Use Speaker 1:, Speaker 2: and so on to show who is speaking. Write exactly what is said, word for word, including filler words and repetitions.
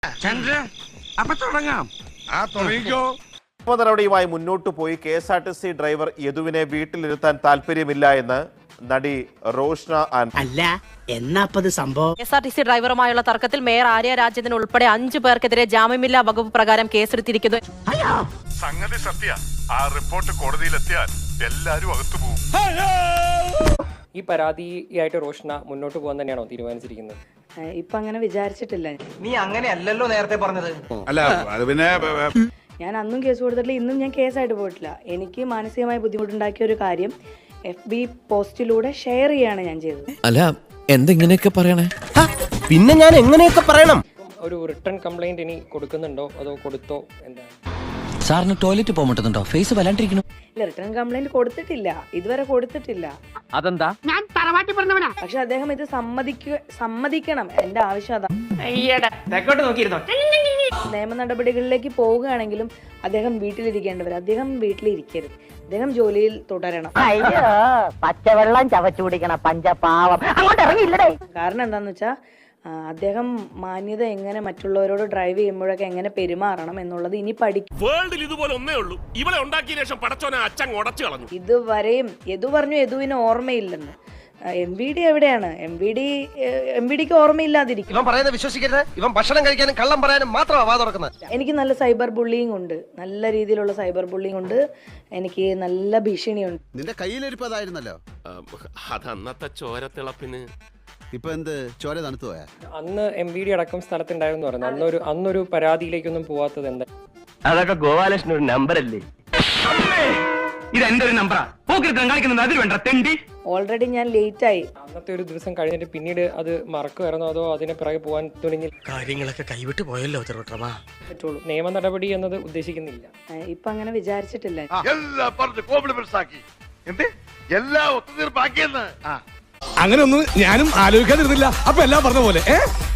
Speaker 1: നടപടിയുമായി മുന്നോട്ടു പോയി K S R T C driver യദുവിനെ വീട്ടിലിരുത്താൻ താല്പര്യമില്ല എന്ന് നടി റോഷ്ന
Speaker 2: അല്ല എന്നാപ്പത് സംഭവം.
Speaker 3: K S R T C ഡ്രൈവറുമായുള്ള തർക്കത്തിൽ മേയർ ആര്യ രാജേന്ദ്രൻ ഉൾപ്പെടെ അഞ്ചു പേർക്കെതിരെ ജാമ്യമില്ലാ വകുപ്പ് പ്രകാരം കേസെടുത്തിരിക്കുന്നു.
Speaker 4: സംഗതി സത്യ. ആ റിപ്പോർട്ട് കോടതിയിലെത്തിയാൽ എല്ലാരും അകത്തു പോകും.
Speaker 5: ഈ പരാതിയായിട്ട് റോഷ്ന മുന്നോട്ട് പോകാൻ തന്നെയാണോ തീരുമാനിച്ചിരിക്കുന്നത്?
Speaker 6: ഇപ്പൊ അങ്ങനെ വിചാരിച്ചിട്ടില്ല.
Speaker 7: നീ അങ്ങനെയല്ലല്ലോ നേരത്തെ പറഞ്ഞത്.
Speaker 4: അല്ല അത് പിന്നെ
Speaker 6: ഞാൻ അന്നും കേസ് കൊടുത്തിട്ടില്ല, ഇന്നും ഞാൻ കേസായിട്ട് പോയിട്ടില്ല. എനിക്ക് മാനസികമായി ബുദ്ധിമുട്ടുണ്ടാക്കിയ ഒരു കാര്യം എഫ് ബി പോസ്റ്റിലൂടെ ഷെയർ ചെയ്യാണ് ഞാൻ ചെയ്തത്.
Speaker 8: അല്ല എന്തെങ്ങനെയൊക്കെ പറയണേ?
Speaker 7: പിന്നെ ഞാൻ എങ്ങനെയൊക്കെ പറയണം?
Speaker 5: ഒരു റിട്ടേൺ കംപ്ലൈന്റ് ഇനി കൊടുക്കുന്നുണ്ടോ അതോ കൊടുത്തോ? എന്താണ്
Speaker 8: സാറിന് ടോയ്ലറ്റ് പോകാൻ പറ്റുന്നുണ്ടോ? ഫേസ് വല്ലാണ്ടിരിക്കണു.
Speaker 6: ഇല്ല, റിട്ടേൺ കംപ്ലൈന്റ് കൊടുത്തിട്ടില്ല, ഇതുവരെ കൊടുത്തിട്ടില്ല.
Speaker 7: അതെന്താ?
Speaker 6: പക്ഷെ അദ്ദേഹം ഇത് സമ്മതിക്കുക സമ്മതിക്കണം. എന്റെ ആവശ്യം അതാ. നിയമ നടപടികളിലേക്ക് പോവുകയാണെങ്കിലും അദ്ദേഹം വീട്ടിലിരിക്കേണ്ടവർ. അദ്ദേഹം വീട്ടിലിരിക്കരുത്, അദ്ദേഹം ജോലിയിൽ തുടരണം.
Speaker 9: പച്ചവെള്ളം ചവച്ചു കുടിക്കണം പഞ്ചപാവം. അങ്ങോട്ട് ഇറങ്ങിയില്ലടേ.
Speaker 6: കാരണം എന്താന്ന് വെച്ചാൽ അദ്ദേഹം മാന്യത എങ്ങനെ മറ്റുള്ളവരോട് ഡ്രൈവ് ചെയ്യുമ്പോഴൊക്കെ എങ്ങനെ പെരുമാറണം എന്നുള്ളത് ഇനി പഠിക്കും.
Speaker 10: വേൾഡിൽ ഇതുപോലെ ഒന്നേ ഉള്ളൂ. ഇവളെ ഉണ്ടാക്കിയ ശേഷം പടച്ചോനെ അച്ഛൻ ഉടച്ചു കളഞ്ഞു.
Speaker 6: ഇതുവരെയും യദു പറഞ്ഞു യദുവിന് ഓർമ്മയില്ലെന്ന്. എം വി ഡി എവിടെയാണ്? M V D M V ഡിക്ക് ഓർമ്മയില്ലാതിരിക്കും.
Speaker 7: ഇവൻ പറയുന്നത് വിശ്വസിക്കരുത്. ഇവൻ ഭക്ഷണം കഴിക്കാനും കള്ളം പറയാനും മാത്രമാണ് വാ തുറക്കുന്നത്.
Speaker 6: എനിക്ക് നല്ല സൈബർ ബുള്ളിങ് ഉണ്ട്, നല്ല രീതിയിലുള്ള സൈബർ ബുള്ളിങ് ഉണ്ട്. എനിക്ക് നല്ല ഭീഷണിയുണ്ട്.
Speaker 11: നിന്റെ കയ്യിലിരിപ്പതായിരുന്നല്ലോ.
Speaker 10: അത് അന്നത്തെ ചോരത്തിളപ്പിന്.
Speaker 11: ഇപ്പൊ എന്ത് ചോര തണുത്തു പോയാ?
Speaker 5: അന്ന് എം വി ഡി അടക്കം സ്ഥലത്തുണ്ടായിരുന്നു പറഞ്ഞു. അന്നൊരു അന്നൊരു പരാതിയിലേക്കൊന്നും പോവാത്തത് എന്താ?
Speaker 7: അതൊക്കെ ഗോപാലകൃഷ്ണൻ ഒരു നമ്പർ അല്ലേ? ഇത് എന്റെ ഒരു നമ്പറാ. അതിൽ വേണ്ട തെണ്ടി.
Speaker 6: ഓൾറെഡി ഞാൻ ലേറ്റ് ആയി.
Speaker 5: അന്നത്തെ ഒരു ദിവസം കഴിഞ്ഞിട്ട് പിന്നീട് അത് മറക്കുമായിരുന്നോ അതോ അതിനെ പിറകെ പോകാൻ തുനിഞ്ഞിൽ
Speaker 2: കാര്യങ്ങളൊക്കെ കൈവിട്ട് പോയല്ലോ
Speaker 5: പറ്റുള്ളൂ? നിയമ നടപടി എന്നത് ഉദ്ദേശിക്കുന്നില്ല.
Speaker 6: ഇപ്പൊ അങ്ങനെ വിചാരിച്ചിട്ടില്ല.
Speaker 4: എല്ലാം പറഞ്ഞ് കോംപ്ലിമെന്റ്സ് ആക്കി. എന്ത് എല്ലാം ഒത്തുതീർപ്പാക്കിയെന്ന്.
Speaker 10: അങ്ങനെ ഒന്നും ഞാനും ആലോചിക്കാതിരുന്നില്ല. അപ്പൊ എല്ലാം പറഞ്ഞ പോലെ ഏ